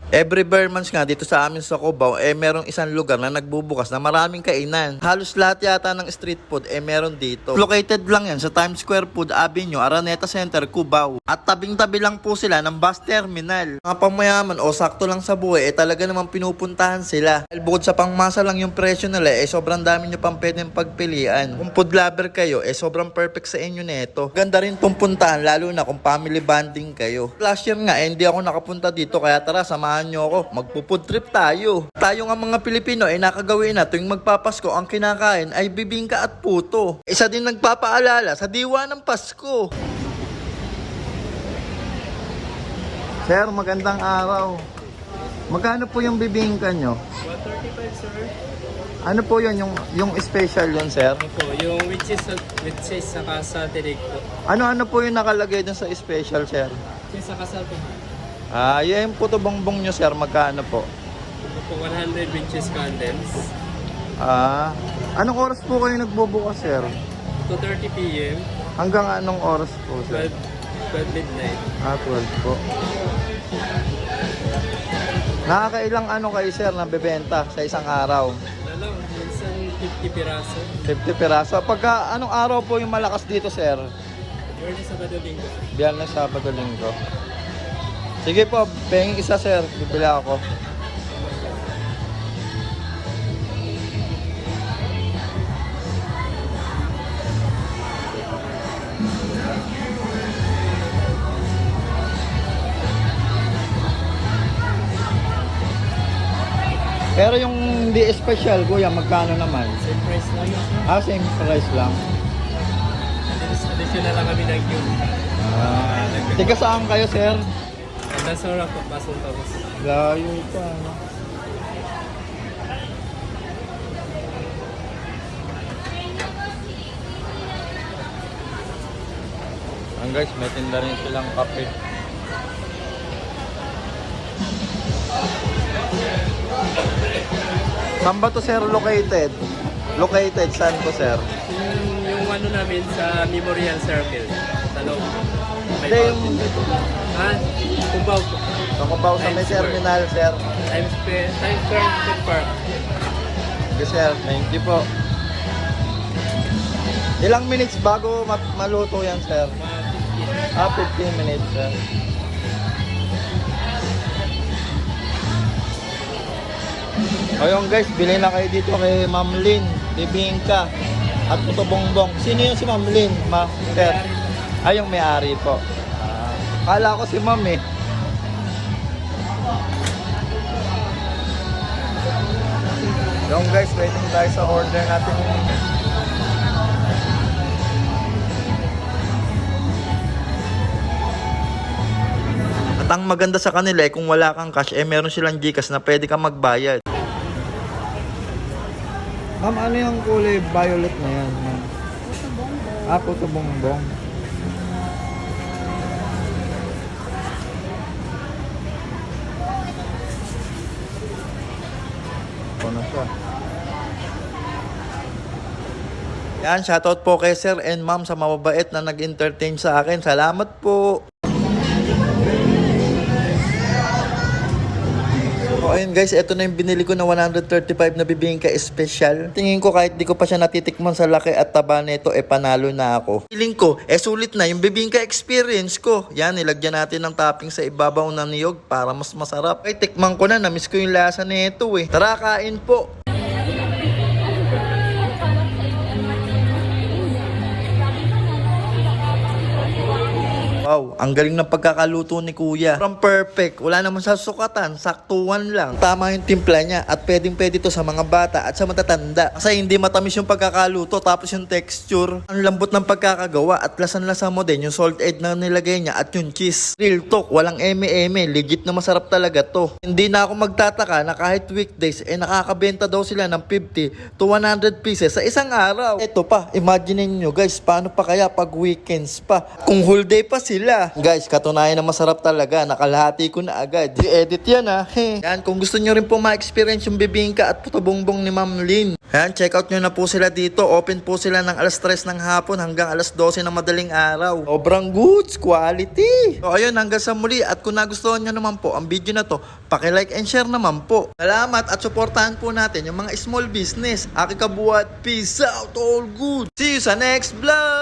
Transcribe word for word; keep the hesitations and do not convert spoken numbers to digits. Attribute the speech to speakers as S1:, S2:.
S1: Every bare months nga dito sa amin sa Cubao, eh merong isang lugar na nagbubukas na maraming kainan. Halos lahat yata ng street food, eh meron dito. Located lang yan sa Times Square Food Avenue, Araneta Center, Cubao. At tabing-tabi lang po sila ng bus terminal. Mga pamayaman o sakto lang sa buhay, eh talaga namang pinupuntahan sila. Dahil bukod sa pangmasa lang yung presyo nila, eh sobrang dami nyo pang pwedeng pagpilian. Kung food lover kayo, eh sobrang perfect sa inyo neto. Ganda rin pong puntahan, lalo na kung family bonding kayo. Last year nga, eh, hindi ako nakapunta dito, kaya tara, samahan nyo ako. Magpo-food trip tayo. Tayo nga mga Pilipino ay nakagawin na tuwing magpapasko ang kinakain ay bibingka at puto. Isa din nagpapaalala sa diwa ng Pasko. Sir, magandang araw. Magkano po yung bibingka nyo?
S2: one thirty-five, sir.
S1: Ano po yun? Yung, yung special yun, sir?
S2: Ano po, yung with cheese, with cheese saka sa tinig po.
S1: Ano-ano po yung nakalagay dun sa special, sir?
S2: Cheese saka sa po.
S1: Ah, yung puto bongbong nyo, sir, magkano po?
S2: Ito po, one hundred with cheese condensed.
S1: Ah, anong oras po kayo nagbubukas, sir?
S2: two thirty p m
S1: Hanggang anong oras po, sir?
S2: twelve, twelve midnight.
S1: Ah, twelve po. Nakakailang ano kayo, sir, na bebenta sa isang araw?
S2: Ano, minsan fifty piraso.
S1: fifty piraso. Pagka anong araw po yung malakas dito, sir?
S2: Biyernes, Sabado, Linggo.
S1: Biyernes, Sabado, Linggo. Sige po, penging isa, sir. Bibili ako. Pero yung hindi special, kuya, magkano naman?
S2: Same price lang yun.
S1: Ah, same price lang.
S2: Additional lang kami ng cube.
S1: Ah, tiga saan kayo, sir?
S2: Nasura po, Pasong Tapos.
S1: Layo pa, ano? Ang guys, may tinda rin silang kape. Saan ba to, sir, located? Located, saan po, sir?
S2: Yung, yung ano namin sa Memorial Circle. Sa loob. May
S1: Hindi, yung-
S2: fountain dito. Ha? Cubao po.
S1: Nakubaw sa may
S2: Times Square.
S1: terminal, sir.
S2: Times Square, Times Square Food Park.
S1: Okay, sir. Thank you po. Ilang minutes bago mat- maluto yan, sir?
S2: Mga fifteen.
S1: Ah, fifteen minutes, sir. Ayun guys, bili na kayo dito kay Ma'am Lynn, bibingka at puto bongbong. Sino yung si Ma'am Lynn, ma sir? Ay, yung may-ari po. Ah, kala ko si Ma'am eh. Yung guys, waiting tayo sa order natin. At ang maganda sa kanila eh, kung wala kang cash, eh meron silang Gcash na pwede kang magbayad. Ma'am, ano yung kulay violet na yan, ma'am? Ah, puto bongbong. Ito na siya. Yan, shoutout po kay sir and ma'am sa mababait na nag-entertain sa akin. Salamat po. So ayun guys, ito na yung binili ko na one thirty-five na bibingka special. Tingin ko kahit di ko pa siya natitikman sa laki at taba nito, eh panalo na ako. Feeling ko, eh sulit na yung bibingka experience ko. Yan, nilagyan natin ng topping sa ibabaw ng niyog para mas masarap. Ay, tikman ko na, namiss ko yung lasa nito eh. Tara, kain po. Wow, ang galing ng pagkakaluto ni kuya. From perfect, wala naman sa sukatan, saktuan lang. Tama yung timpla niya at pwedeng pwede to sa mga bata at sa matatanda. Kasi hindi matamis yung pagkakaluto tapos yung texture. Ang lambot ng pagkakagawa at lasan-lasa mo din yung salt egg na nilagay niya at yung cheese. Real talk, walang eme-eme, legit na masarap talaga to. Hindi na ako magtataka na kahit weekdays, eh nakakabenta daw sila ng fifty to one hundred pieces sa isang araw. Ito pa, imagine niyo guys, paano pa kaya pag weekends pa? Kung whole day pa sila, sila. Guys, katunayan na masarap talaga. Nakalahati ko na agad. I-edit yan ha. He. Yan, kung gusto nyo rin po ma-experience yung bibingka at puto bongbong ni Ma'am Lynn. Yan, check out nyo na po sila dito. Open po sila ng alas tres ng hapon hanggang alas dose ng madaling araw. Sobrang goods, quality. So ayun, hanggang sa muli. At kung nagustuhan nyo naman po ang video na to, paki-like and share naman po. Salamat at suportahan po natin yung mga small business. Aki kabuhat, peace out, all good. See you sa next vlog!